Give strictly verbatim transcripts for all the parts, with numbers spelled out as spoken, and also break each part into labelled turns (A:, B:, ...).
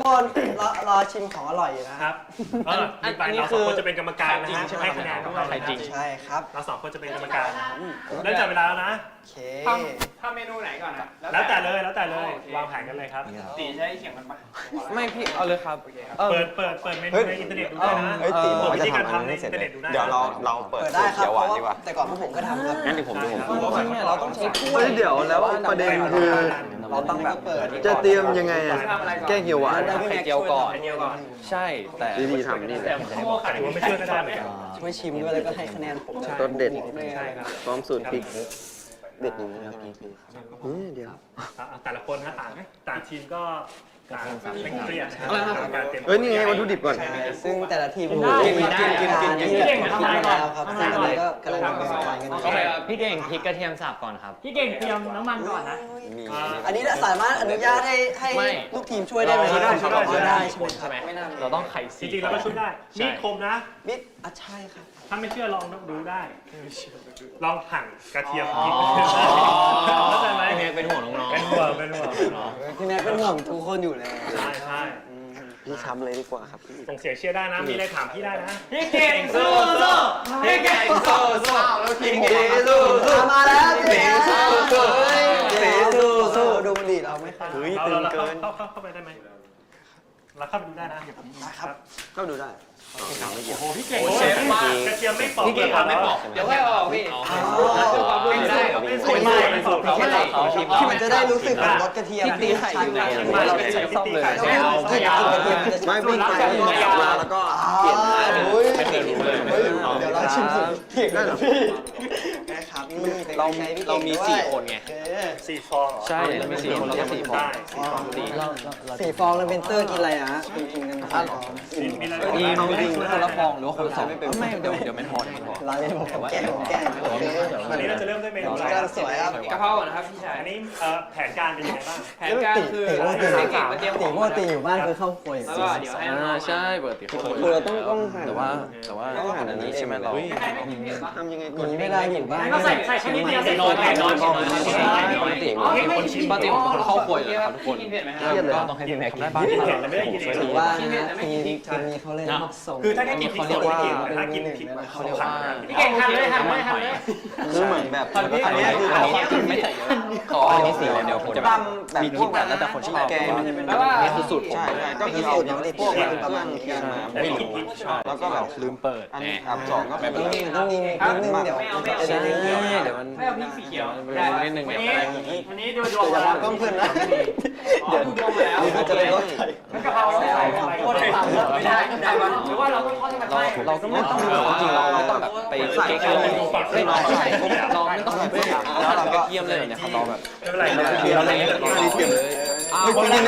A: คนรอรอชิมของอร่อยอยู่นะครับ
B: เอออันนี้คือเราสองคนจะเป็นกรรมการนะฮะให้คะแนนด้วย
C: ไข่จริง
A: ใช่ครับ
B: เราสองคนจะเป็นกรรมการเริ่มจับเวลาแล้วนะ
A: โอเค
D: ทำทำเมนูไหนก่อนนะ
B: แล้วแต่เลยแล้วแต่เลยวางแผนกันเลยครับ
D: ตีใช้เขียงมันปะ
C: ไม่พี่เอาเลยครับ
B: เปิดเปิดเปิดเมนูในอินเทอร์เน็ตดูได้นะ
E: เฮ้ยตีบอก
B: วิ
E: ว่าจะ
B: ธีการ
E: ทำอัน
B: ทำใน
E: นี้เสร็
B: อิ
E: จ
B: นเทอร์
E: เล
B: เน็
E: ย
B: ตดูได้
E: เดี๋ยวเราเราเปิด
A: เปิด
E: สู
A: ได้
E: ตร
A: ครับ
E: เขียวห
A: เพ
E: วาน
A: ราะว่า
E: ดีกว่า
A: แต่ก่อนพวกผมก็ทำครับ
E: งั้นเดี๋ยวผมดูผม
C: จริงเนี่ยเราต้องใช้ถ้วย
E: เฮ้ยเดี๋ยวแล้วประเด็นคือ
A: เราต้องแบบเปิด
E: จะเตรียมยังไงอะแกงเขียวหวาน
C: ไข่เจียวก่อน
D: เดียวก่อน
C: ใช่แต่
E: วิธีทำนี่แห
B: แต่
E: ละ
B: ข้าวโพดขาดถือว่าไม่ช่วยก็ได้เหมือนกัน
A: ช่วยชิมด้วยแล้วก็ให้คะแนนผม
E: ต้นเด็ด
B: ใช่ครับ
E: พร้อมสูตรพริกเด็ดอย่างนี้ครับเฮ้ยเดี๋ยว
B: อ่ะแต่ละคนนะต่างต่างทีมก็ต่างเป็นเครียดนะครับการเตรียม
E: เฮ้ยนี่ไงวัตถุดิบก่อน
A: ซึ่งแต่ละทีม
C: กิน
A: มี
C: ได้กินกินกิน
A: ที่แบบทำมาแล้วครับซึ่งอันนี้ก็กำลังเป็นสไตล์กันอยู่
C: โอเคครับพี่เก่งพริกกระเทียมสับก่อนครับ
F: พี่เก่งเตรียมน้ำมันก่อนนะ
E: มี
A: อันนี้สามารถอนุญาตให้ให้
C: ไม่
A: ลูกทีมช่วยได้ไหม
B: ช่วยได้ช่วยได้ช่วยได้
A: ใช่ไหมครับ
C: ใช่ไหมเราต้องไข่
B: จ
C: สี
B: ริงๆเราก็ช่วยได้มีดคมนะ
A: มิดอ่ะใช่ครับ
B: ถ้าไม่เชื่อลองดูได้ ลองหั่นกระเทียมพริกเข้าใจไหม
C: พี่เมย์เป็นห่วงน้องๆ
B: เป็นห่วงเป็นห่วง
A: พี่แม็กเป็นห่วงทุกคนอยู่เลย
B: ใช่ใช่
E: พี่ช้ำเลยดีกว่าครับ
B: ส่งเสียงเชียร์ได้นะ มีอะไรถามพี่ได้นะ
F: พี่เก่งสู้สู้พี่เก่งสู้สู้
C: แล้วทีม
E: เจสู้สู้
A: มาแล้ว
E: เจสู้สู้
A: เจสู้สู้ดูมันดีเราไม่เคย
E: เฮ้ย
B: เรา
E: ตึง
B: เรา
E: เกิน
B: เข้าเข้าเข้าไปได้ไหมเราเข้าไปดูได้นะ
A: ครับ
E: ก็ดูได้
B: โอ้โหพี่เก่ง
C: โอ้เชฟมาก
B: กระเทียมไม่ปอก
C: พี่เก่งทำไม่บอก
D: เดี๋ยวค่อยออกพี่
C: ไม่ได้เหรอ
B: ไม่
C: ไม่
B: ได้
C: ได้
B: ไม่
C: ไม่
B: ป
C: ส
B: อก
C: เขาไม่เขาทีม
A: ที่มันจะได้รู้สึกของรสกระเทียม
C: ที่ตีไข่อยู่เนี่ย
A: เรา
C: ไม่
A: ไม่
C: ใช่
A: ใช่
C: ซ่อมเลย
A: ไม่เอาไม่เอากระเทียมมันจะ
E: ไม่วิ่งไปมาแล้วก็เปลี่ยนมา
A: โอ้ย
C: ไม่เคยรู้เลย
A: เดี๋ยวเราชิมสูตรเก่งนะพี่นะครับนี่
C: เราเรามีสี่คนไง
B: สี่ฟองเหรอ
C: ใช่เรามีสี่คนเราก็สี่ฟอง
B: ได้
C: สี่เรา
A: สี่ฟองแล้วเป็นเตอร์กินอะไรนะกินกันสองฟอง
B: มีมีอะไร
C: มี
B: บ้าง
C: จริงคนละฟองหรือว่าคนละสองไม่เดี๋ยวเดี๋ยวไม่พอเดี๋ยวไม่พอ
A: เราเล่นผมแกล้งผมแกล้งโอเค
B: วันนี้เราจะเริ่มด้วยเมนูอะไร
A: กำลังสวยครับ
D: กะเพราก่อนนะครับพี่ชาย
B: อันนี้เอ่อแผนการเป็นยังไงบ้าง
D: แผนการคือ
A: ตีว่าตี
D: ให้เก่งมาเตรียม
A: ตีว่าตีอยู่บ้านคือเข้าครัว
D: แล้วก็เดี๋ยวให้น้อง
C: ใช่ปกติเขา
E: คือเราต้องต้องหั่น
C: แต่ว่าแต่ว่า
E: ต้องหั่นอันนี้ใช่ไหมเรา
D: ใครไม่กินเผ็ดปะ
E: ทำยังไง
A: อ
E: ก่อน
A: ย่างนี้ไม่ได้อยู่บ้าน
F: งั้นก็ใส่ใส่แค่นิดเดียวใส่
C: น้อย
F: แค่
C: น้อย
F: น้
C: น้
F: อ
C: อย ยน้อยติปกติคนชิมปกติผมเป็นคนเข้าครัวอยู่แล้วทุกคน
D: กินเผ็ดไหมค
E: เครียด
D: รับ
E: เลย
C: ก็ต้องให้พี่แม็กกินได้บ้าง
B: กินเผ็ดแล้วไม่ได้กินเอง
A: ถือว่านะทีมทีมนี้เขาเล่นส่ง
B: คือถ้าได้กินพริกสดไม่กินแต่ถ้ากินพริกมัน
C: เขาเรียกว่า
F: พี่เก่งทันเลยทันเลยทันเลย
E: คือเหมือนแบบ
C: อันนี้
E: อันนี้คือ
C: อัน
E: เขา
C: นี้กินไม่ใส่เยอะขออันนี้สีเดี๋ยวผมจะแบบมีคิดแบบแล้วแต่คนชอบ
E: แกมันจะเป็น
C: แล้วว่านี่คือสูตรผม
E: ใช่ใช่ก็คือเอาพวกแบบประมาณเครื่องมา
B: ไม่กินพริก
E: แล้วก็แบบ
C: ลืมเปิด
E: อันนี้อันสองก็เป็น
A: ต้องมีต้องมีนิดนึงเดี๋ยว
C: ใช่เดี๋ยวมัน
D: ไม่เอาพริกสีเขียว
C: นิดนึง
F: วัน
C: เดี๋ยว
F: นี้
C: อะไร
F: วันนี้ดูดวง
A: อย่า
F: มา
A: มาต้องเพื่อนนะ
D: เดี๋ยวดูดวงมาแล้ว
A: มันจะเป็นรสไข่
F: แล้วกะเพราเราใส่อะไรก็ได้ไม่ได้ไม่ได้หรือว่าเราต้องทอดให้มันไหม้
C: เราก็ไม่ต้องจริงเราไม่ต้องแบบไปเก๊กอะไรไม่ต้องใช่เราไม่ต้องแบบแล้วเราก็เยี่ยมเลยเนี่ยครับเราแบบ
B: ไม่เป็นไร
C: เยี่ยมเลยเยี่ยมเลย
E: ไม่กินนะ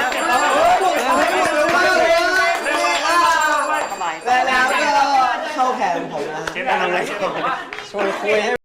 A: แล้วก็เข้าแผนผมนะ
B: เชฟทำอะไร
A: ชวนคุยให้